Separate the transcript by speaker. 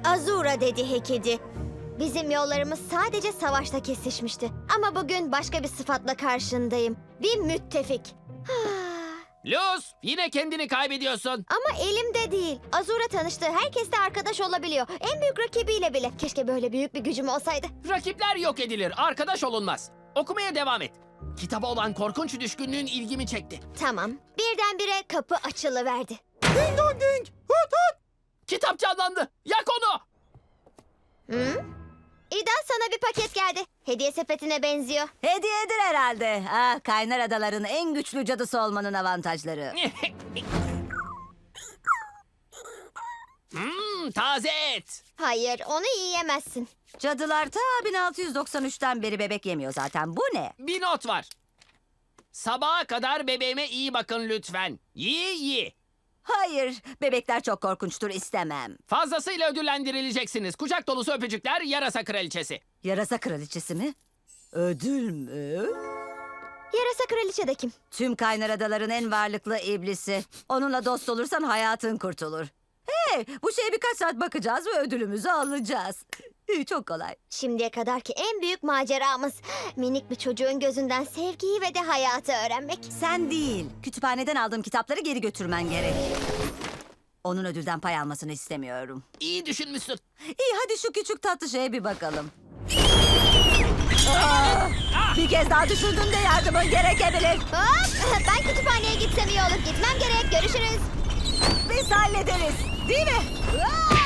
Speaker 1: Azura dedi Hekedi. Bizim yollarımız sadece savaşta kesişmişti. Ama bugün başka bir sıfatla karşındayım. Bir müttefik.
Speaker 2: Luz, yine kendini kaybediyorsun.
Speaker 1: Ama elimde değil. Azura tanıştığı herkesle arkadaş olabiliyor. En büyük rakibiyle bile. Keşke böyle büyük bir gücüm olsaydı.
Speaker 2: Rakipler yok edilir, arkadaş olunmaz. Okumaya devam et. Kitaba olan korkunç düşkünlüğün ilgimi çekti.
Speaker 1: Tamam. Birdenbire kapı açılıverdi.
Speaker 2: Ding dong ding, hut hut. Kitap canlandı, yak onu.
Speaker 1: Hı? İdan, sana bir paket geldi. Hediye sepetine benziyor.
Speaker 3: Hediyedir herhalde. Kaynar adaların en güçlü cadısı olmanın avantajları.
Speaker 2: Taze et.
Speaker 1: Hayır, onu yiyemezsin.
Speaker 3: Cadılar ta 1693'ten beri bebek yemiyor zaten. Bu ne?
Speaker 2: Bir not var. Sabaha kadar bebeğime iyi bakın lütfen. Yi.
Speaker 3: Hayır, bebekler çok korkunçtur, istemem.
Speaker 2: Fazlasıyla ödüllendirileceksiniz. Kucak dolusu öpücükler, yarasa kraliçesi.
Speaker 3: Yarasa kraliçesi mi? Ödül mü?
Speaker 1: Yarasa kraliçe de kim?
Speaker 3: Tüm kaynar adaların en varlıklı iblisi. Onunla dost olursan hayatın kurtulur. Hey, bu şeye birkaç saat bakacağız ve ödülümüzü alacağız. Çok kolay.
Speaker 1: Şimdiye kadarki en büyük maceramız. Minik bir çocuğun gözünden sevgiyi ve de hayatı öğrenmek.
Speaker 3: Sen değil, kütüphaneden aldığım kitapları geri götürmen gerek. Onun ödülden pay almasını istemiyorum.
Speaker 2: İyi düşünmüşsün.
Speaker 3: İyi, hadi şu küçük tatlı şeye bir bakalım. Bir kez daha düşündüğümde yardımın gerekebilir.
Speaker 1: Hop! Ben kütüphaneye gitsem iyi olur. Gitmem gerek. Görüşürüz.
Speaker 3: Biz hallederiz, değil mi?